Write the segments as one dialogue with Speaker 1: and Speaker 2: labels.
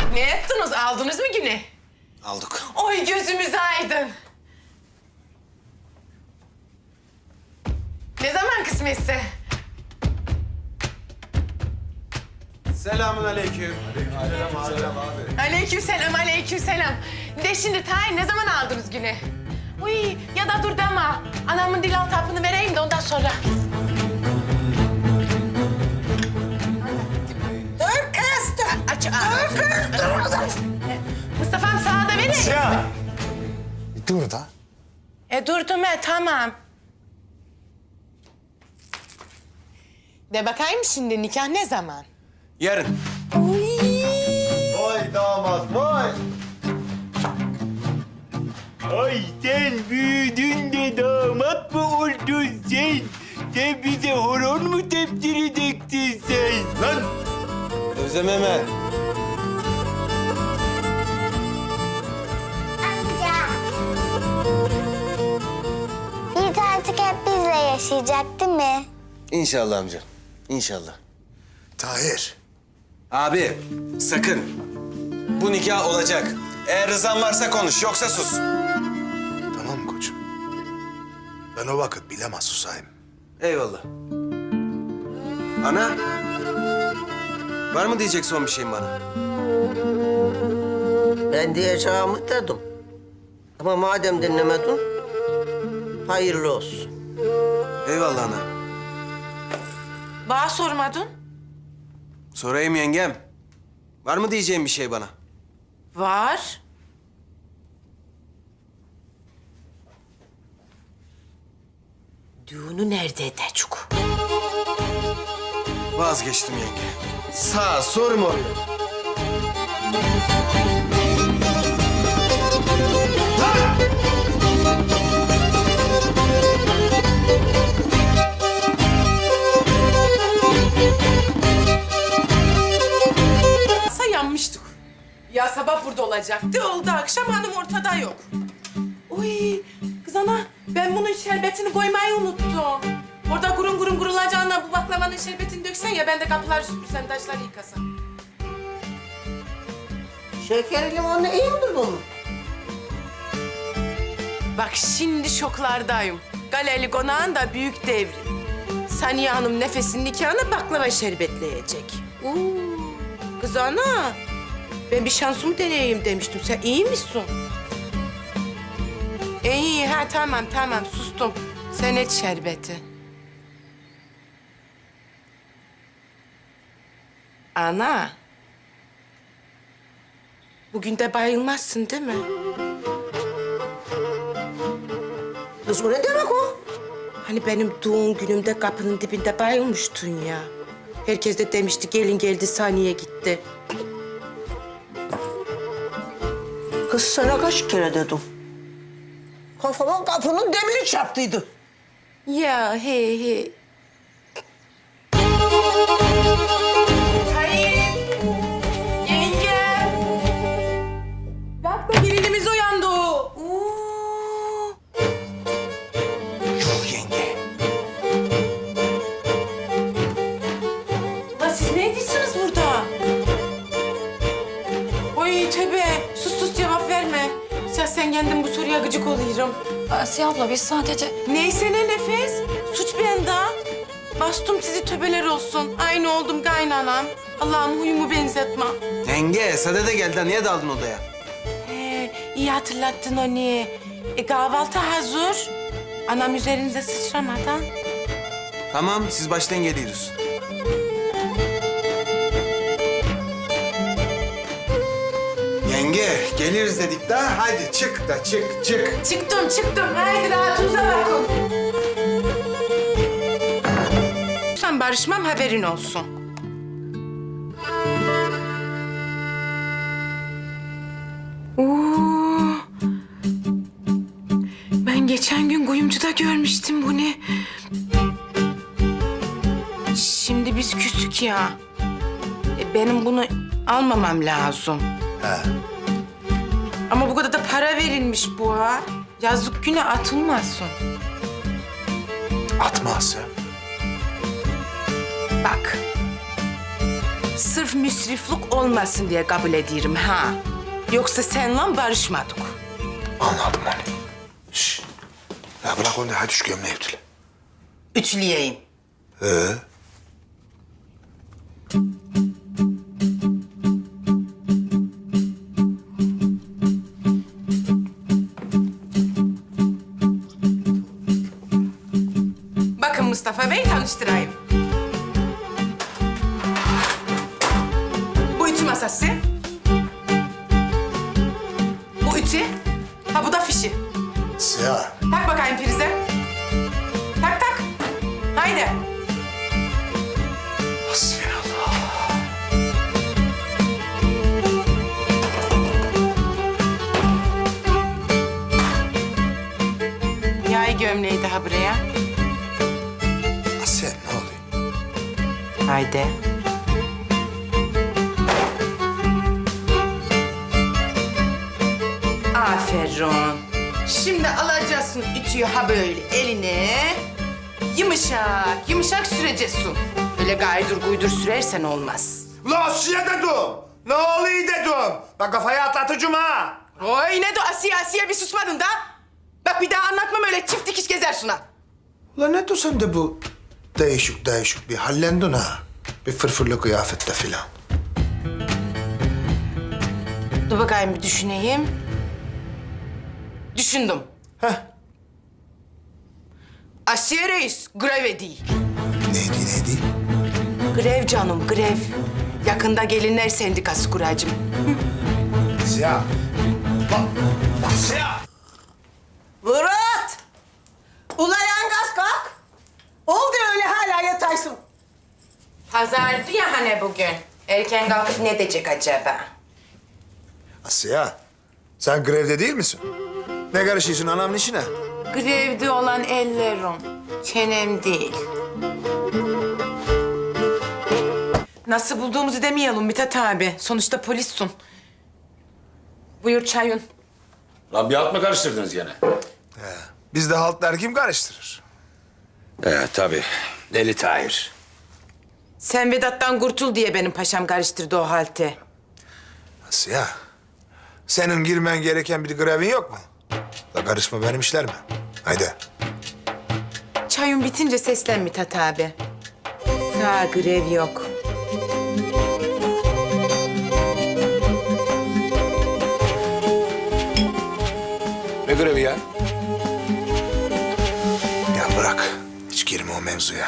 Speaker 1: Ne yaptınız? Aldınız mı güne?
Speaker 2: Aldık.
Speaker 1: Oy gözümüz aydın. Ne zaman kısmetse?
Speaker 2: Selamun aleyküm.
Speaker 1: Aleykümselam, aleykümselam. De şimdi tayin ne zaman aldınız güne? Uy ya da dur deme. Anamın dil altı hapını vereyim de ondan sonra.
Speaker 3: Dur kız dur.
Speaker 1: Aç,
Speaker 3: Dur.
Speaker 1: Mustafa'm sağa da vereyim.
Speaker 2: Ya. Dur da.
Speaker 1: Durdum tamam. De bakayım şimdi nikah ne zaman?
Speaker 2: Yarın.
Speaker 4: Vay damat vay.
Speaker 5: Ay sen büyüdün de damat mı oldun sen? Sen bize horon mu tepsir edeceksin sen?
Speaker 4: Lan
Speaker 2: Özlem hemen.
Speaker 6: Yiğit artık hep bizle yaşayacak değil mi?
Speaker 2: İnşallah amca. İnşallah.
Speaker 4: Tahir.
Speaker 2: Abi sakın. Bu nikah olacak. Eğer rızan varsa konuş yoksa sus.
Speaker 4: Tamam mı koçum? Ben o vakit bilemez susayım.
Speaker 2: Eyvallah. Ana. Var mı diyecek son bir şeyin bana?
Speaker 3: Ben diyeceğimi dedim. Ama madem dinlemedin, hayırlı olsun.
Speaker 2: Eyvallah ana.
Speaker 1: Bana sormadın.
Speaker 2: Sorayım yengem. Var mı diyeceğin bir şey bana?
Speaker 1: Var. Düğünü nerede edecek?
Speaker 2: Vazgeçtim yenge. Sağ sorma.
Speaker 1: Sa yanmıştık. Ya sabah burada olacaktı, oldu akşam hanım ortada yok. Uy kız ana, ben bunun şerbetini koymayı unuttum. Orada gurun gurun gurulacağına bu baklavanın şerbetini döksen ya, ben de kapıları süpürsem, taşları yıkasam.
Speaker 3: Şeker limonlu iyi midir bunun?
Speaker 1: Bak şimdi şoklardayım. Galeli konağın da büyük devrim. Saniye Hanım nefesinin nikahına baklava şerbetleyecek. Kız ana, ben bir şansımı deneyeyim demiştim. Sen iyi misin? İyi, ha tamam sustum. Sen et şerbeti. Ana. Bugün de bayılmazsın değil mi?
Speaker 3: Kız o ne demek o?
Speaker 1: Hani benim doğum günümde kapının dibinde bayılmıştın ya. Herkes de demişti gelin geldi saniye gitti.
Speaker 3: Kız sana kaç kere dedim. Kafama kapının demiri çarptıydı.
Speaker 1: Ya he. Hayır. Yenge. Bak da gelinimiz uyandı.
Speaker 2: Yuh yenge.
Speaker 1: Ulan siz ne ediyorsunuz burada? Oy tövbe. Sus cevap verme. Ya sen kendin bu soruya gıcık oluyorum.
Speaker 7: Asiye abla biz sadece...
Speaker 1: Neyse ne nefes. Suç bende. Bastım sizi töbeler olsun. Aynı oldum kaynanam. Allah'ım huyumu benzetme.
Speaker 2: Yenge Sade de geldi. Niye daldın odaya?
Speaker 1: İyi hatırlattın onu. Kahvaltı hazır. Anam üzerinize sıçramadan.
Speaker 2: Tamam siz başlayın geliyoruz. Yenge geliriz dedik daha. Hadi çık da çık.
Speaker 1: Çıktım. Haydi rahatınıza bakın. Sen barışmam haberin olsun. Ben geçen gün kuyumcuda görmüştüm bunu. Şimdi biz küsük ya. Benim bunu almamam lazım.
Speaker 4: He.
Speaker 1: Ama bu kadar da para verilmiş bu ha. Yazlık güne atılmasın.
Speaker 4: Atmaz ya.
Speaker 1: Bak. Sırf müsriflik olmasın diye kabul ediyorum ha. Yoksa seninle barışmadık.
Speaker 4: Anladım onu. Şş. Ya bırak onu da hadi şu gömleği ütüle.
Speaker 3: Ütüleyeyim.
Speaker 1: Bakın Mustafa Bey, tanıştırayım. Bu ütü masası. Bu ütü. Ha bu da fişi.
Speaker 4: Siyah.
Speaker 1: Tak bakayım prize. Tak tak. Haydi.
Speaker 4: Hasbinallah.
Speaker 1: Yay gömleği daha buraya.
Speaker 4: Asiye ne oluyor?
Speaker 1: Haydi. Aferin. Şimdi alacaksın ütüyü ha böyle eline. Yumuşak, yumuşak süreceksin. Öyle gaydur guydur sürersen olmaz.
Speaker 4: La Asiye dedim. Ne oluyor dedim. Bak kafayı atlatıcım ha.
Speaker 1: Oy ne de Asiye bir susmadın da. Bak bir daha anlatmam öyle çift dikiş gezersin ha.
Speaker 4: Ulan ne diyorsun de bu değişik bir hallendin ha. Bir fırfırlı kıyafette filan.
Speaker 1: Dur bakayım bir düşüneyim. Düşündüm.
Speaker 4: Heh.
Speaker 1: Asiye Reis greve değil.
Speaker 4: Neydi?
Speaker 1: Grev canım grev. Yakında gelinler sendikası kuracım.
Speaker 4: Siyah. Bak Siyah.
Speaker 3: Murat! Ula yangaz kalk. Oldu öyle hala yataysın.
Speaker 1: Pazardı ya hani bugün. Erken kalkıp ne diyecek acaba?
Speaker 4: Asiye, sen grevde değil misin? Ne karışıyorsun anamın işine?
Speaker 1: Grevde olan ellerim. Çenem değil. Nasıl bulduğumuzu demeyelim Mithat abi. Sonuçta polissin. Buyur çayın.
Speaker 8: Lan bir alt mı karıştırdınız gene?
Speaker 4: Bizde haltlar kim karıştırır?
Speaker 8: Tabii. Deli Tahir.
Speaker 1: Sen Vedat'tan kurtul diye benim paşam karıştırdı o halti.
Speaker 4: Asiye, senin girmen gereken bir grevin yok mu? La karışma benim işler mi? Haydi.
Speaker 1: Çayın bitince seslen Mithat abi. Sağ grev yok.
Speaker 8: Ne grevi ya?
Speaker 4: Ya bırak, hiç girme o mevzuya.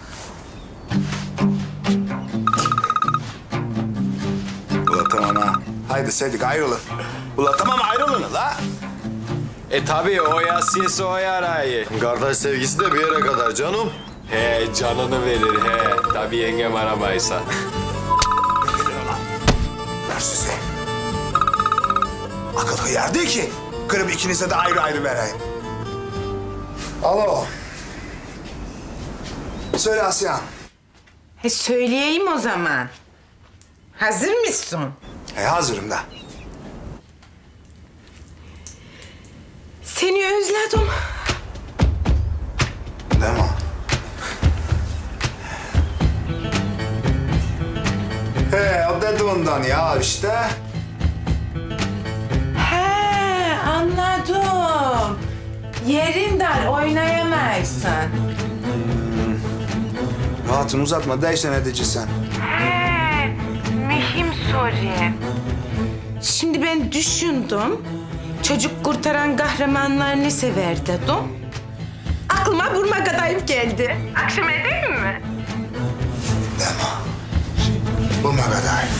Speaker 4: Ula tamam ha. Haydi Sedik ayrılın. Ula tamam ayrılın la.
Speaker 2: Tabii o yasiyesi o yarayı. Kardeş sevgisi de bir yere kadar canım.
Speaker 8: He canını verir he. Tabii yengem aramaysa.
Speaker 4: Ver sizi. Akıl hıyar değil ki. Kırıp ikinize de ayrı ayrı vereyim. Alo. Söyle Asya.
Speaker 1: Söyleyeyim o zaman. Hazır mısın?
Speaker 4: Hazırım da.
Speaker 1: Seni özledim.
Speaker 4: Değil mi? He, o dediğinden ya işte.
Speaker 1: He, anladım. Yerin dar, oynayamazsın.
Speaker 4: Hatun uzatma, değişen edici sen.
Speaker 1: Mühim soru. Şimdi ben düşündüm. Çocuk kurtaran kahramanlar ne sever dedim. Aklıma vurma kadayıf geldi. Akşam edeyim mi?
Speaker 4: Deme. Bu Megadayf.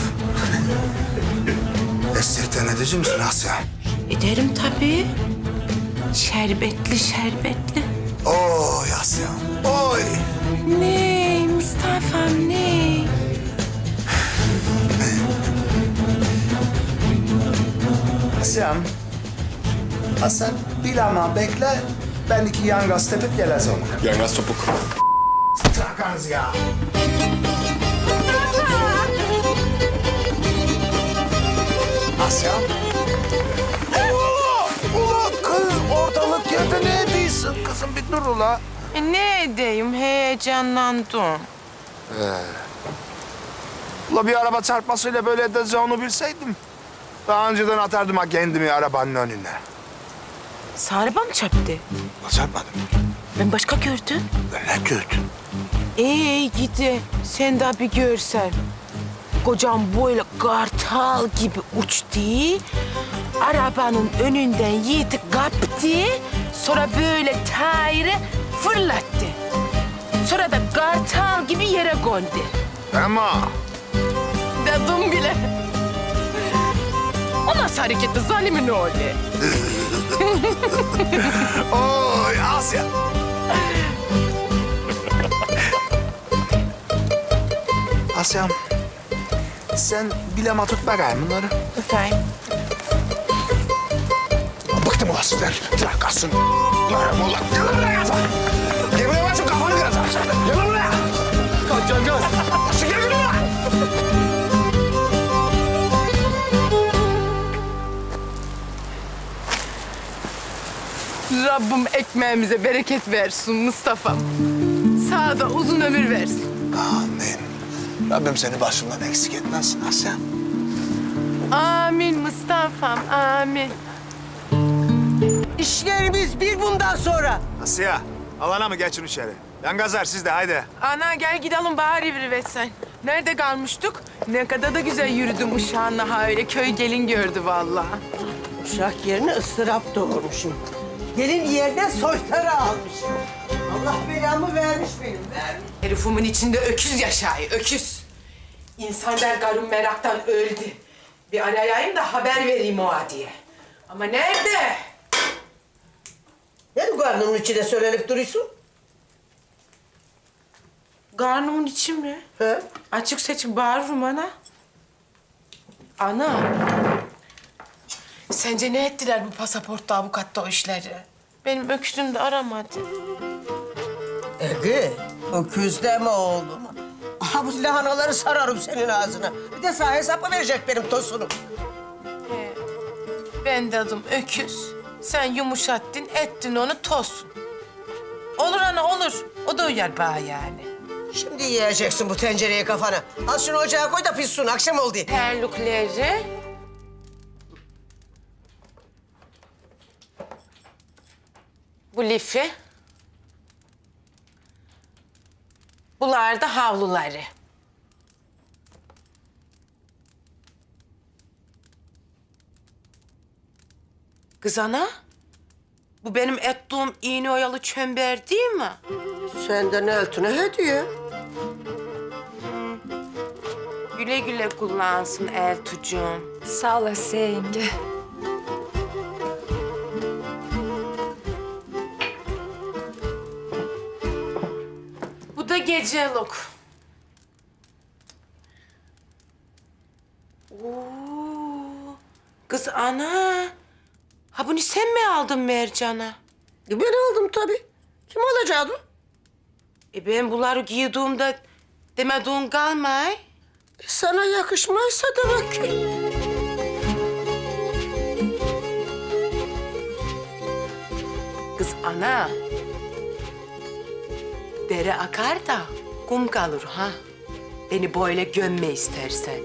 Speaker 4: Esirten edici misin Asya?
Speaker 1: Ederim tabii. Şerbetli şerbetli.
Speaker 4: Oy Asya, oy.
Speaker 1: Ne Mustafa'm ne?
Speaker 4: Asya'm, sen bilama bekle. Ben iki yangaz tepip geleceğim.
Speaker 8: Yangaz topuk.
Speaker 4: Trakanız ya. Asya'm. Ula kız ortalık yerde ne ediyorsun? Kızım bir dur ula.
Speaker 1: Ne edeyim heyecanlandım.
Speaker 4: Ula bir araba çarpmasıyla böyle edeceğini bilseydim... daha önceden atardım ha kendimi arabanın önüne.
Speaker 1: Sarıba mı çarptı?
Speaker 4: Ula çarpmadım.
Speaker 1: Ben başka gördüm.
Speaker 4: Ne gördün?
Speaker 1: Gidi. Sen de bir görsen. Kocam böyle kartal gibi uçtu. Arabanın önünden Yiğit'i kaptı. Sonra böyle tayırı fırlattı. Sonra da kartal gibi yere kondu.
Speaker 4: Ama
Speaker 1: Dedim bile. O nasıl hareketti zalimin oğlu?
Speaker 4: oy Asya. Asya'm, sen bilema tut bakayım bunları.
Speaker 1: Efendim?
Speaker 4: Bıktım ulan sizden. Bırak kalsın. Yarım ulan. Gel buraya kafa. Gel buraya bak şu kafanı kıracağım sen. Gel buraya. Kaç. Asya gel buraya.
Speaker 1: Rabbim ekmeğimize bereket versin Mustafa'm. Sağ da uzun ömür versin.
Speaker 4: Amin. Rabbim seni başımdan eksik etmez Asya.
Speaker 1: Amin Mustafa'm, amin.
Speaker 3: İşlerimiz bir bundan sonra.
Speaker 4: Asya, alana mı geçin içeri? Ben gazar siz de haydi.
Speaker 1: Ana gel gidelim bari bir sen. Nerede kalmıştık? Ne kadar da güzel yürüdüm uşağınla ha öyle köy gelin gördü vallahi.
Speaker 3: Uşak yerine ıstırap doğurmuşum. Gelin yerine soytarı almışım. Allah belamı vermiş benim, vermiş.
Speaker 1: Herifimin içinde öküz yaşayı, öküz. İnsan der karım meraktan öldü. Bir arayayım da haber vereyim o diye. Ama nerede?
Speaker 3: Ne bu karnının içine söylenip duruyorsun?
Speaker 1: Karnımın içi mi?
Speaker 3: He?
Speaker 1: Açık seçik bağırırım ana. Ana. Sence ne ettiler bu pasaportta, avukatta o işleri? Benim öküzüm de aramadı.
Speaker 3: Ege, öküz deme oğlum. Aha bu lahanaları sararım senin ağzına. Bir de sana hesap verecek benim tosunum.
Speaker 1: Ben de adım öküz. Sen yumuşattın, ettin onu tosun. Olur ana olur. O da uyar bana yani.
Speaker 3: Şimdi yiyeceksin bu tencereye kafana. Al şunu ocağa koy da pişsin, akşam oldu.
Speaker 1: Terlikleri. Bu lifi. Bunlar da havluları. Kız ana, bu benim ettiğim iğne oyalı çember değil mi?
Speaker 3: Senden eltine hediye.
Speaker 1: Güle güle kullansın Eltucuğum.
Speaker 7: Sağ ol Asiye yenge.
Speaker 1: Bu da gecelik. Oo, kız ana. Ha bunu sen mi aldın Mercan'a?
Speaker 3: Ben aldım tabii. Kim alacaktı?
Speaker 1: Ben bunları giydiğimde demediğin kalmay.
Speaker 3: Sana yakışmazsa demek ki.
Speaker 1: Kız ana. Dere akar da kum kalır ha. Beni böyle gömme istersen.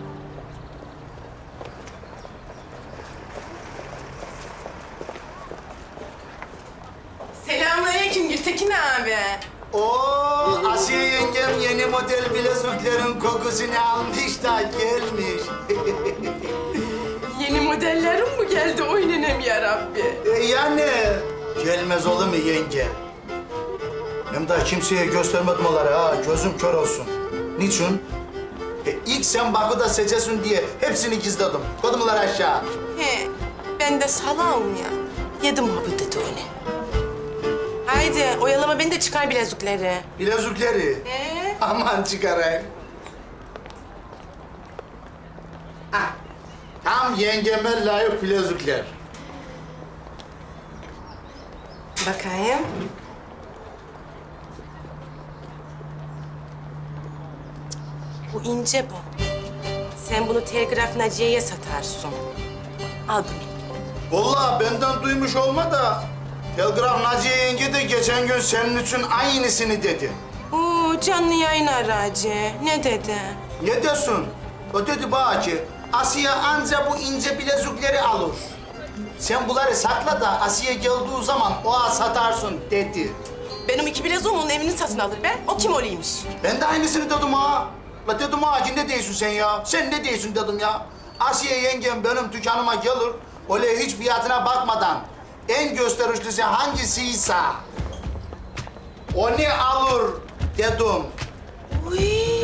Speaker 1: Selamünaleyküm Gültekin abi.
Speaker 9: Oo, Asiye yengem yeni model bileziklerin kokusunu almış da gelmiş.
Speaker 1: Yeni modellerim mi geldi oynanem ya Rabbi?
Speaker 9: Yani gelmez olur mu yenge? Hem daha kimseye göstermedim onları ha, gözüm kör olsun. Niçin? İlk sen Baku'da seçesin diye hepsini gizledim. Koydumlar aşağı.
Speaker 1: He, ben de salağım ya. Yedim ha bu dedi onu. Haydi oyalama beni de çıkar bilezikleri.
Speaker 9: Bilezikleri. Aman çıkarayım. Ah, tam yengeme layık bilezikler.
Speaker 1: Bakayım. Bu ince bu. Sen bunu Telgraf Naciye'ye satarsın. Al bunu.
Speaker 9: Vallahi benden duymuş olma da Telgraf Naciye yenge de geçen gün senin için aynısını dedi.
Speaker 1: Oo, canlı yayın aracı. Ne dedi?
Speaker 9: Ne diyorsun? O dedi bana ki, Asiye anca bu ince bilezikleri alır. Sen bunları sakla da Asiye geldiği zaman oğa satarsın dedi.
Speaker 1: Benim 2 bileziğim onun evini satın alır be. O kim oluymuş?
Speaker 9: Ben de aynısını dedim ha. La dedim ha ki ne diyorsun sen ya? Sen ne diyorsun dedim ya. Asiye yengem benim dükkanıma gelir. Öyle hiç fiyatına bakmadan en gösterişlisi hangisiyse onu alır dedim.
Speaker 1: Uy.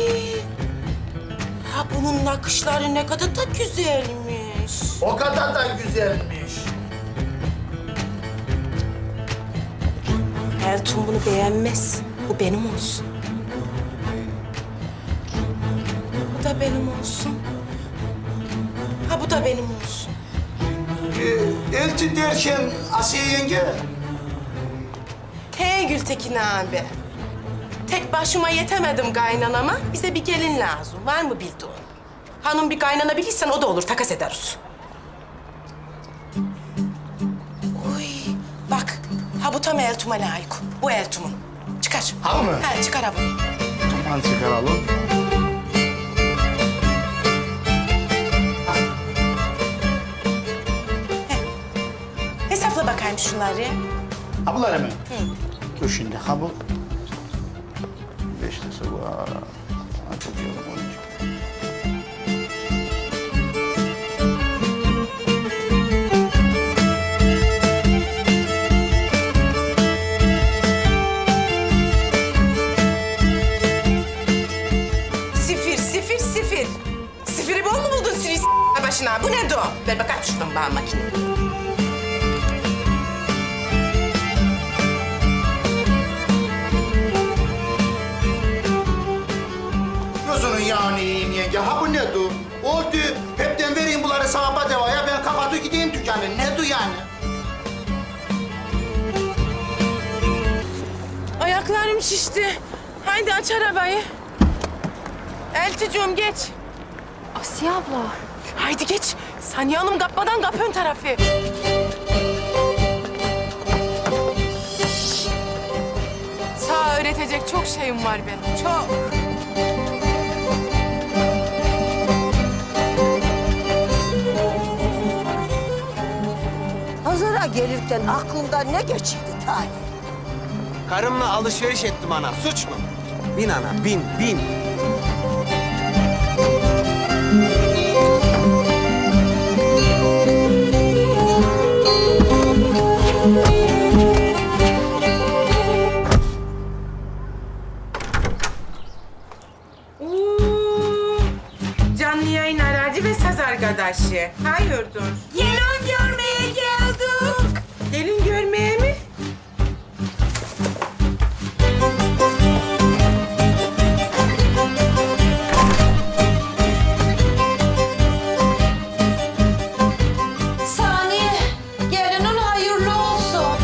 Speaker 1: Ha bunun nakışları ne kadar da güzelmiş.
Speaker 9: O kadar da güzelmiş.
Speaker 1: Elton bunu beğenmez. Bu benim olsun. Bu da benim olsun. Ha bu da benim olsun.
Speaker 9: Elti derken Asiye yenge.
Speaker 1: Hey Gültekin abi. Tek başıma yetemedim kaynanama. Bize bir gelin lazım. Var mı bildiğin? Hanım bir kaynana bilirsen o da olur. Takas ederiz. Uy, bak. Ha bu tam Eltum'a layık. Bu Eltum'un. Çıkar.
Speaker 9: Ha mı?
Speaker 1: Ha çıkar ha bunu.
Speaker 9: Tamam çıkaralım.
Speaker 1: Hesapla bakayım şunları.
Speaker 9: Ha bunlar mı? Dur şimdi ha bu. 5 lirası var. Hadi diyelim 12.
Speaker 1: Sıfır, sıfır, sıfır. Sıfırı bol mu buldun sürü başına? Bu ne o? Ver bakalım şuradan bana makineyi.
Speaker 9: Gözünün yağını yiyeyim yenge. Ha bu ne du? Oldu. Hepten vereyim bunları sahaba devaya. Ben kapatı gideyim dükkanı. Ne du yani?
Speaker 1: Ayaklarım şişti. Haydi aç arabayı. Elticığım geç.
Speaker 7: Asiye abla.
Speaker 1: Haydi geç. Saniye Hanım kapmadan kap ön tarafı. Sağ öğretecek çok şeyim var benim. Çok.
Speaker 3: Pazara gelirken aklımdan ne geçirdi Talih?
Speaker 2: Karımla alışveriş ettim ana. Suç mu? Bin ana, bin, bin.
Speaker 1: Oo, canlı yayın aracı ve saz arkadaşı. Hayırdır? Gelin görmeye geldik. Gelin görmeye mi?
Speaker 7: Saniye. Gelinin hayırlı olsun.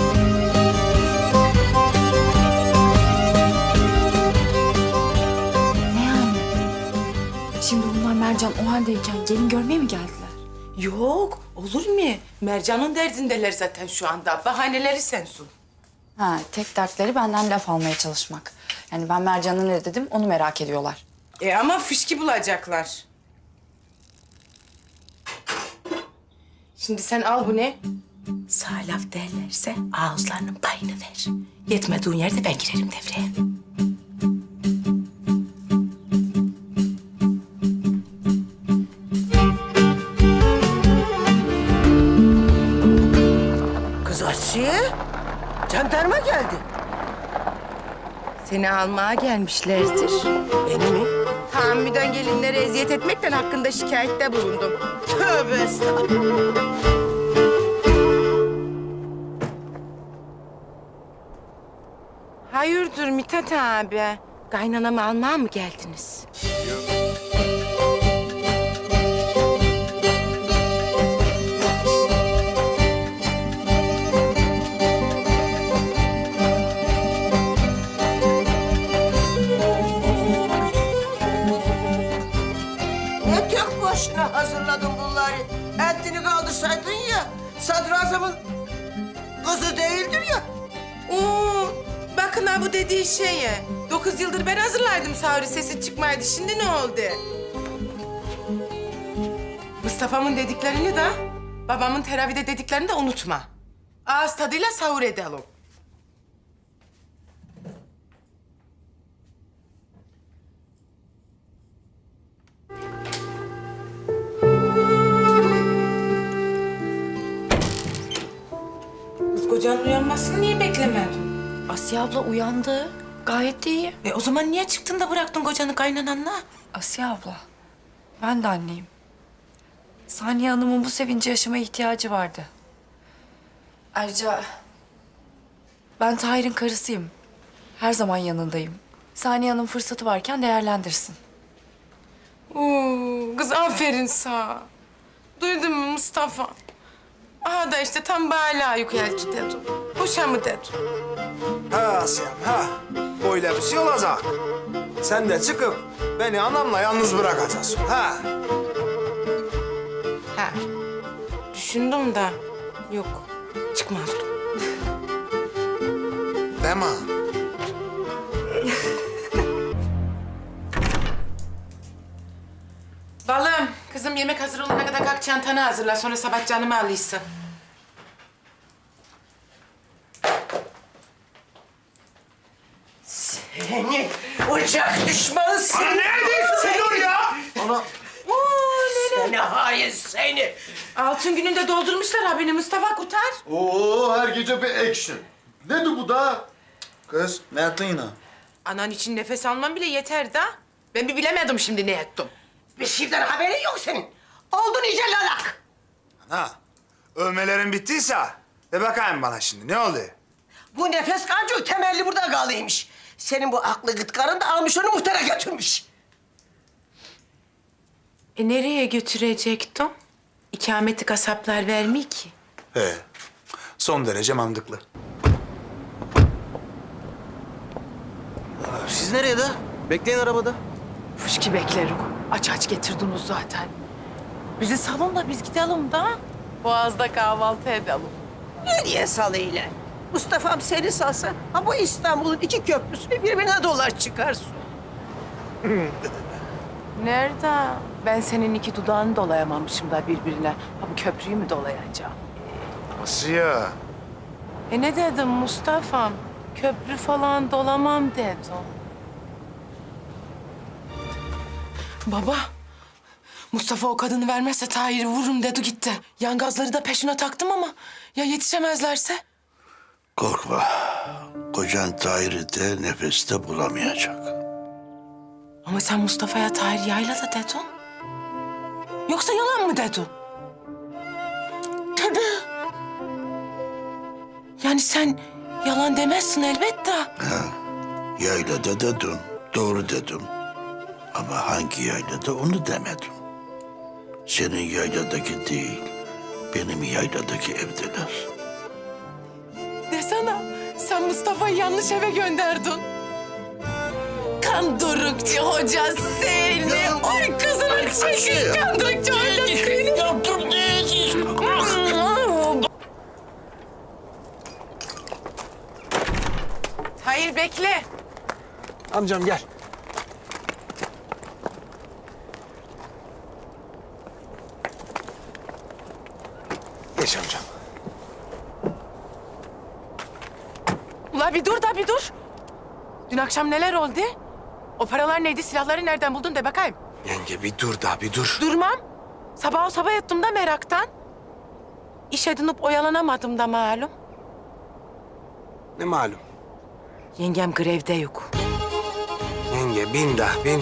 Speaker 7: Ne yani? Şimdi bunlar Mercan o haldeyken gelin görmeye mi geldiler?
Speaker 1: Yok, olur mu? Mercan'ın derdindeler zaten şu anda. Bahaneleri sensin.
Speaker 7: Ha, tek dertleri benden laf almaya çalışmak. Yani ben Mercan'a ne dedim onu merak ediyorlar.
Speaker 1: Ama fışkı bulacaklar. Şimdi sen al bu ne? Sağ laf derlerse ağızlarının payını ver. Yetmediğin yerde ben girerim devreye.
Speaker 3: Kız Asiye, jandarma geldi.
Speaker 1: Seni almaya gelmişlerdir.
Speaker 3: Beni mi?
Speaker 1: Tahammüden gelinlere eziyet etmekten hakkında şikayette bulundum.
Speaker 3: Tövbe estağfurullah.
Speaker 1: Hayırdır Mithat abi? Kaynanamı almaya mı geldiniz?
Speaker 3: Ne tek başına hazırladın bunları? Eltini kaldırsaydın ya, sadrazamın kızı değildir ya.
Speaker 1: Oo, bakın ha bu dediği şeye. 9 yıldır ben hazırlaydım sahuri, sesi çıkmaydı. Şimdi ne oldu? Mustafa'mın dediklerini de, babamın teravide dediklerini de unutma. Ağız tadıyla sahur edelim. Kız kocanın uyanmasını niye beklemedin?
Speaker 7: Asiye abla uyandı. Gayet de iyi.
Speaker 1: O zaman niye çıktın da bıraktın kocanı kaynananla?
Speaker 7: Asiye abla, ben de anneyim. Saniye Hanım'ın bu sevinci yaşamaya ihtiyacı vardı. Ayrıca ben Tahir'in karısıyım. Her zaman yanındayım. Saniye Hanım fırsatı varken değerlendirsin.
Speaker 1: Oo, kız aferin sana. Duydun mu Mustafa? Aha da işte tam bala yükseltti dedim. Boşa mı dedim?
Speaker 4: Ha Asiyem ha. Böyle bir şey olacak. Sen de çıkıp beni anamla yalnız bırakacaksın ha.
Speaker 1: Ha. Düşündüm de yok, çıkmazdım.
Speaker 4: Deme.
Speaker 1: Balım, kızım yemek hazır olana kadar kalk çantanı hazırla. Sonra sabah canımı alıysın.
Speaker 3: Seni ocak düşmanı seni.
Speaker 4: Ne diyorsun dur ya? Ana.
Speaker 3: Seni hain seni.
Speaker 1: Altın gününde doldurmuşlar abini, Mustafa kurtar.
Speaker 9: Oo, her gece bir action. Nedir bu da? Kız, ne yaptın yine?
Speaker 1: Anan için nefes almam bile yeter da. Ben bir bilemedim şimdi ne ettim.
Speaker 3: Bir şeyden haberin yok senin. Oldun iyice lalak.
Speaker 4: Ha. Övmelerin bittiyse de bakayım bana şimdi ne oldu?
Speaker 3: Bu nefes kancığı temelli burada kalıymış. Senin bu aklı gıtkarın da almış onu muhtara götürmüş.
Speaker 1: Nereye götürecektim? İkameti kasaplar vermiyor ki.
Speaker 4: He. Son derece mantıklı.
Speaker 2: Siz nereye de? Bekleyin arabada.
Speaker 1: Fışkı beklerim. Aç getirdiniz zaten. Bizi salonla biz gidelim da. Boğaz'da kahvaltı edelim.
Speaker 3: Nereye salıyla? Mustafa'm seni salsa, ha bu İstanbul'un iki köprüsünü birbirine dolar çıkarsın.
Speaker 1: Nerede? Ben senin iki dudağını dolayamamışım da birbirine. Ha bu köprüyü mü dolayacağım?
Speaker 4: Asiye.
Speaker 1: Ne dedim Mustafa'm? Köprü falan dolamam dedim. Baba, Mustafa o kadını vermezse Tahir'i vururum dedi gitti. Yan gazları da peşine taktım ama ya yetişemezlerse?
Speaker 10: Korkma. Kocan Tahir'i de nefeste bulamayacak.
Speaker 1: Ama sen Mustafa'ya Tahir yaylada dedin. Yoksa yalan mı dedin? Tabii. Yani sen yalan demezsin elbette.
Speaker 10: Yaylada dedim, doğru dedim. Ama hangi yaylada onu demedim. Senin yayladaki değil, benim yayladaki evdeler.
Speaker 1: Desene, sen Mustafa'yı yanlış eve gönderdin. Kandırıkçı hoca seni. Oy kızını çekin, kandırıkçı hoca seni. Hayır, bekle.
Speaker 2: Amcam gel.
Speaker 4: Geç amcam.
Speaker 1: Ula bir dur da bir dur. Dün akşam neler oldu? O paralar neydi, silahları nereden buldun de bakayım.
Speaker 4: Yenge bir dur da bir dur.
Speaker 1: Durmam. Sabah o sabah yattım da meraktan. İş edinip oyalanamadım da malum.
Speaker 4: Ne malum?
Speaker 1: Yengem grevde yok.
Speaker 4: Yenge bin da bin.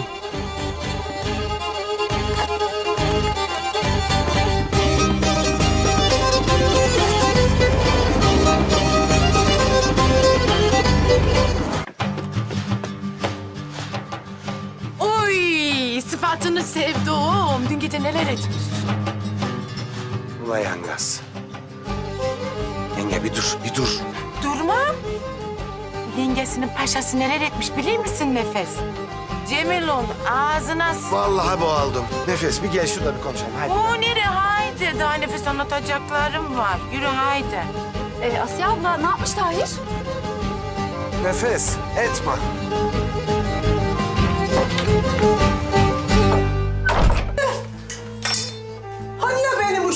Speaker 1: Oy sıfatını sevdim. Dün gece neler etmişsin?
Speaker 4: Ula yangaz. Yenge bir dur, bir dur.
Speaker 1: Durmam. Yengesinin paşası neler etmiş bilir misin Nefes? Cemil'un ağzına...
Speaker 4: Vallahi boğaldım. Nefes bir gel şurada bir konuşalım hadi.
Speaker 1: O nere haydi. Daha Nefes anlatacaklarım var. Yürü haydi.
Speaker 7: Asiye abla ne yapmış Tahir?
Speaker 4: Nefes etme.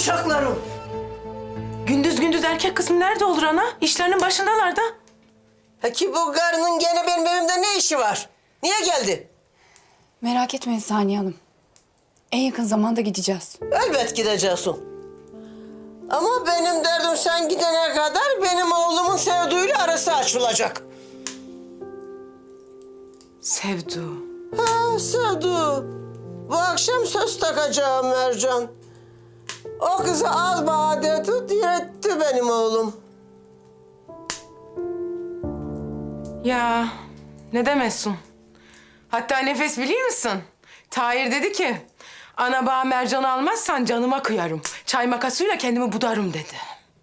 Speaker 3: uşaklarım.
Speaker 1: Gündüz gündüz erkek kısmı nerede olur ana? İşlerinin başındalar da.
Speaker 3: Peki bu karının gene benim evimde ne işi var? Niye geldi?
Speaker 7: Merak etmeyin Saniye Hanım. En yakın zamanda gideceğiz.
Speaker 3: Elbet gideceksin. Ama benim derdim sen gidene kadar benim oğlumun Sevdu'yla arası açılacak.
Speaker 1: Sevdu.
Speaker 3: Ha Sevdu. Bu akşam söz takacağım Mercan. O kızı al bana dedi, diretti benim oğlum.
Speaker 1: Ya ne demezsin? Hatta Nefes biliyor musun? Tahir dedi ki, ana bağ mercanı almazsan canıma kıyarım. Çay makasıyla kendimi budarım dedi.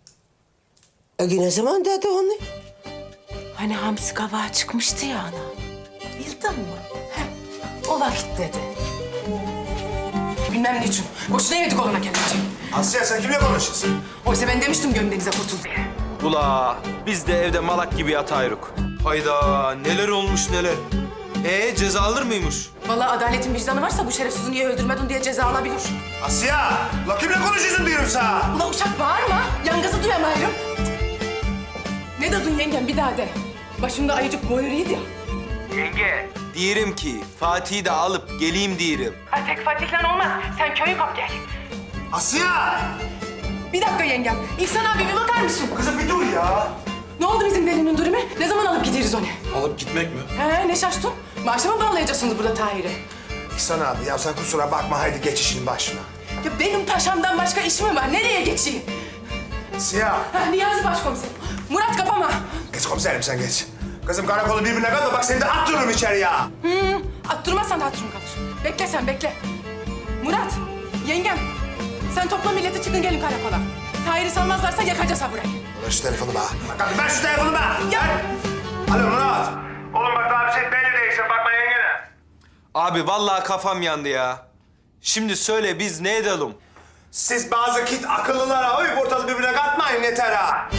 Speaker 3: Ne zaman dedi onu?
Speaker 1: Hani hamsi kavağı çıkmıştı ya ana. Bildin mi? Heh, o vakit dedi. Bilmem niçin. Boşuna yedik olana kendince.
Speaker 4: Asya sen kimle konuşuyorsun?
Speaker 1: Oysa ben demiştim gömdenize kurtul diye.
Speaker 2: Ula biz de evde malak gibi yatayırık. Hayda neler olmuş neler. Ceza alır mıymış?
Speaker 1: Vallahi adaletin vicdanı varsa bu şerefsizi niye öldürmedin diye ceza alabilir.
Speaker 4: Asya! La kimle konuşuyorsun diyorum sana?
Speaker 1: Ula uşak bağırma. Yangazı duyamayırım. Ne dedin yengem bir daha de. Başımda ayıcık boyuruydu ya.
Speaker 2: Diyelim ki Fatih'i de alıp geleyim diyelim.
Speaker 1: Ha tek Fatih'le olmaz. Sen köyü kap gel.
Speaker 4: Asya!
Speaker 1: Bir dakika yengem. İhsan abi bir bakar mısın?
Speaker 4: Kızım bir dur ya.
Speaker 1: Ne oldu bizim delinin durumu? Ne zaman alıp gideriz onu?
Speaker 4: Alıp gitmek mi?
Speaker 1: He ne şaştın? Maaşa mı bağlayacaksınız burada Tahir'i?
Speaker 4: İhsan abi ya sen kusura bakma haydi geç işin başına.
Speaker 1: Ya benim paşamdan başka işim mi var? Nereye geçeyim?
Speaker 4: Asya!
Speaker 1: Ha Niyazi başkomiserim. Murat kapama.
Speaker 4: Geç komiserim sen geç. Kızım karakolu birbirine katma bak seni de attırırım içeri ya.
Speaker 1: Attırmazsan hatırım kalır. Bekle sen bekle. Murat, yengem. Sen topla milleti çıkın gelin karakola. Tahir'i salmazlarsa yakacağız ha burayı.
Speaker 4: Ver şu telefonu bana. Bak ver şu telefonu bana.
Speaker 1: Ya.
Speaker 4: Ver. Alo Murat. Oğlum bak daha bir şey belli değilsin bakma yengene.
Speaker 2: Abi vallahi kafam yandı ya. Şimdi söyle biz ne edelim?
Speaker 4: Siz bazı kit akıllılara uyup ortalığı birbirine katmayın yeter ha.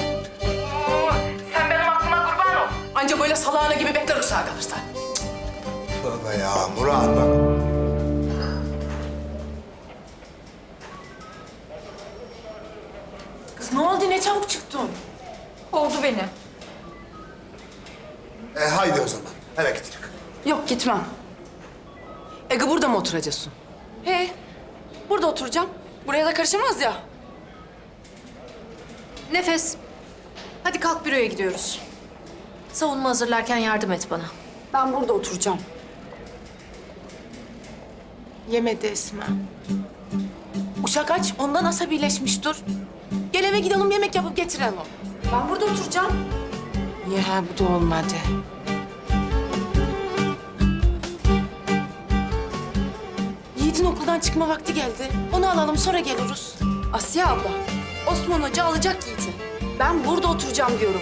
Speaker 1: Sen benim aklıma kurban ol. Anca böyle salağına gibi bekler uçağa kalırsa.
Speaker 4: Tövbe ya Murat bak.
Speaker 1: Kız ne oldu? Ne çabuk çıktın?
Speaker 7: Oldu beni.
Speaker 4: Haydi o zaman eve gidelim.
Speaker 1: Yok gitmem. Ege burada mı oturacaksın?
Speaker 7: He, burada oturacağım. Buraya da karışamaz ya.
Speaker 11: Nefes, hadi kalk büroya gidiyoruz. Savunma hazırlarken yardım et bana.
Speaker 7: Ben burada oturacağım.
Speaker 1: Yemedi Esma. Uşak aç, ondan asabileşmiş dur. Gel eve gidelim yemek yapıp getirelim.
Speaker 7: Ben burada oturacağım.
Speaker 1: Ya bu da olmadı. Yiğit'in okuldan çıkma vakti geldi. Onu alalım sonra geliriz.
Speaker 7: Asiye abla, Osman Hoca alacak Yiğit'i. Ben burada oturacağım diyorum.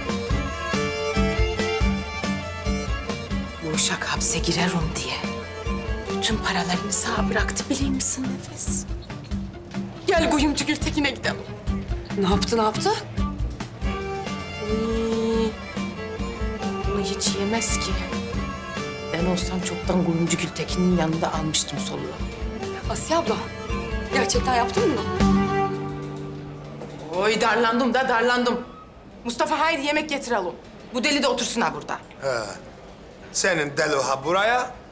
Speaker 1: Bu uşak hapse girerim diye. Bütün paralarını sağa bıraktı biliyor musun Nefes? Gel kuyumcu Gültekin'e gidelim.
Speaker 7: Ne yaptı, ne yaptı?
Speaker 1: Bunu hiç yemez ki. Ben olsam çoktan kuyumcu Gültekin'in yanında almıştım soluğu.
Speaker 7: Asiye abla, gerçekten yaptın mı?
Speaker 1: Oy darlandım da darlandım. Mustafa haydi yemek getirelim. Bu deli de otursun ha burada.
Speaker 4: Senin deli ha buraya,